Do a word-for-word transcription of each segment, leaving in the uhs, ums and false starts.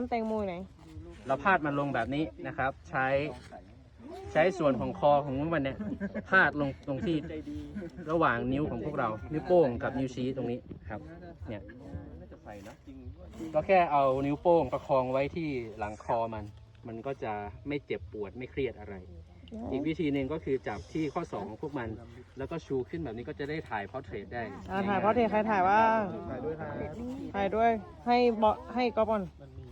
แตงโมไหนเราพาดมันลงแบบนี้นะครับ ใช้ใช้ส่วนของคอของมันเนี่ยพาดลงตรงที่ระหว่างนิ้วของพวกเรานิ้วโป้งกับนิ้วชี้ตรงนี้ครับเนี่ยก็แค่เอานิ้วโป้งประคองไว้ที่หลังคอมันมันก็จะไม่เจ็บปวดไม่เครียดอะไร อีกวิธีหนึ่งก็คือจับที่ข้อศอกของพวกมันแล้วก็ชูขึ้นแบบนี้ก็จะได้ถ่ายพอร์เทรตได้ถ่ายพอร์เทรตใครถ่ายว่าถ่ายด้วยให้เบาให้ก๊อปก่อน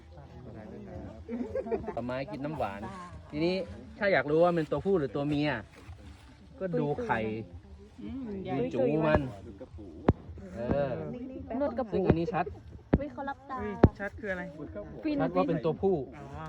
ต่อไม้กินน้ำหวานทีนี้ถ้าอยากรู้ว่ามันตัวผู้หรือตัวเมียก็ดูไข่ดูจูมันเออนวดกระปุกซึ่งอันนี้ชัดวิเขารับตาชัดคืออะไรชัดว่าเป็นตัวผู้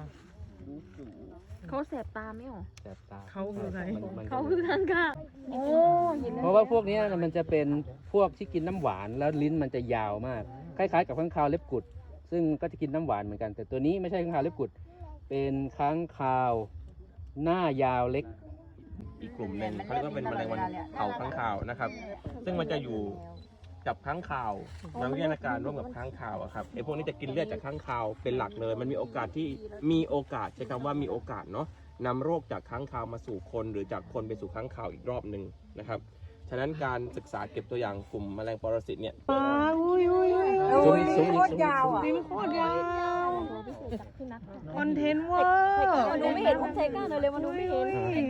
เขาแสบตาไม่หรอแสบตาเขาคืออะไรเขาคือทางกาโอ้เพราะว่าพวกนี้มันจะเป็นพวกที่กินน้ำหวานแล้วลิ้นมันจะยาวมากคล้ายๆกับค้างคาวเล็บกุดซึ่งก็จะกินน้ำหวานเหมือนกันแต่ตัวนี้ไม่ใช่ค้างคาวเล็บกุดเป็นค้างคาวหน้ายาวเล็กอีกกลุ่มหนึ่งเขาเรียกว่าเป็นแมลงวันเผาค้างคาวนะครับซึ่งมันจะอยู่กับค้างคาวนักวิทยาการร่วมกับค้างคาวอะครับไอ้พวกนี้จะกินเลือดจากค้างคาวเป็นหลักเลยมันมีโอกาสที่มีโอกาสใช้คำว่ามีโอกาสเนาะนำโรคจากค้างคาวมาสู่คนหรือจากคนไปสู่ค้างคาวอีกรอบหนึ่งนะครับฉะนั้นการศึกษาเก็บตัวอย่างกลุ่มแมลงปรสิตเนี่ยอุ้ยอุ้ยอุ้ยซุ้มซุ้มโคตรยาวอ่ะนี่มันโคตรยาวคอนเทนต์เวอร์มันดูไม่เห็นผมใช้ก้านเลยเลยมันดูไม่เห็น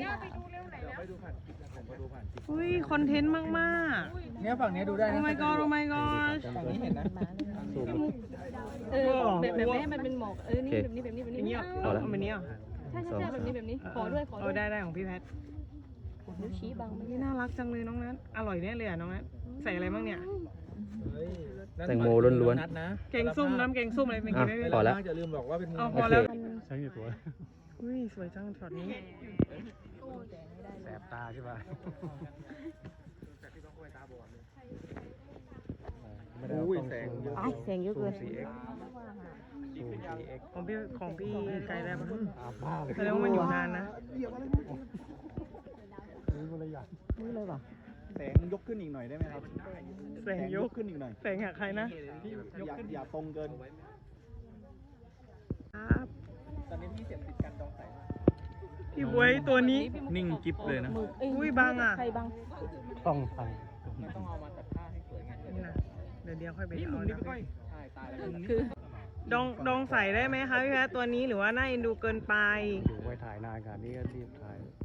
อุ้ยคอนเทนต์มากมากเนี่ยฝั่งนี้ดูได้นะโอ้ my god โอ้ my god ฝั่งนี้เห็นนะเออแบบแบบนี้มันเป็นหมอกเออนี่แบบนี้แบบนี้แบบนี้เอาแล้วแบบนี้อ่ะใช่ใช่ใช่แบบนี้แบบนี้ขอด้วยขอด้วยได้ได้ของพี่แพทนิ้วชี้บังนี่น่ารักจังเลยน้องนัทอร่อยแน่เลยอ่ะน้องนัทใส่อะไรบ้างเนี่ยแตงโมล้วนๆแกงส้มน้ำแกงส้มอะไรไม่กินได้พอแล้วอย่าลืมบอกว่าเป็นพอแล้วใช่ตัวอุ้ยสวยจังช็อตนี้แสบตาใช่ป่ะอุ้ยแสงเยอะแสงเยอะเกินของพี่ของพี่ไกลได้ปะแสดงว่ามันอยู่นานนะนี่อะไรอย่างนี่เลยป่ะแสงยกขึ้นอีกหน่อยได้ไหมครับแสงยกขึ้นอีกหน่อยแสงหักใครนะยกขึ้นอย่าตรงเกินครับตอนนี้พี่เสียบติดกันจองสายพี่บวยตัวนี้นิ่งกิ๊บเลยนะอุ้ยบังอ่ะใครบังต้องไปต้องเอามาตัดผ้าให้สวยงามนี่นะเดี๋ยวเดี๋ยวค่อยไปเอานะใช่ตายแล้วคือดองดองใส่ได้ไหมคะพี่แพทตัวนี้หรือว่าน่าเอ็นดูเกินไปอยู่ไว้ถ่ายนานกันนี่ก็รีบถ่าย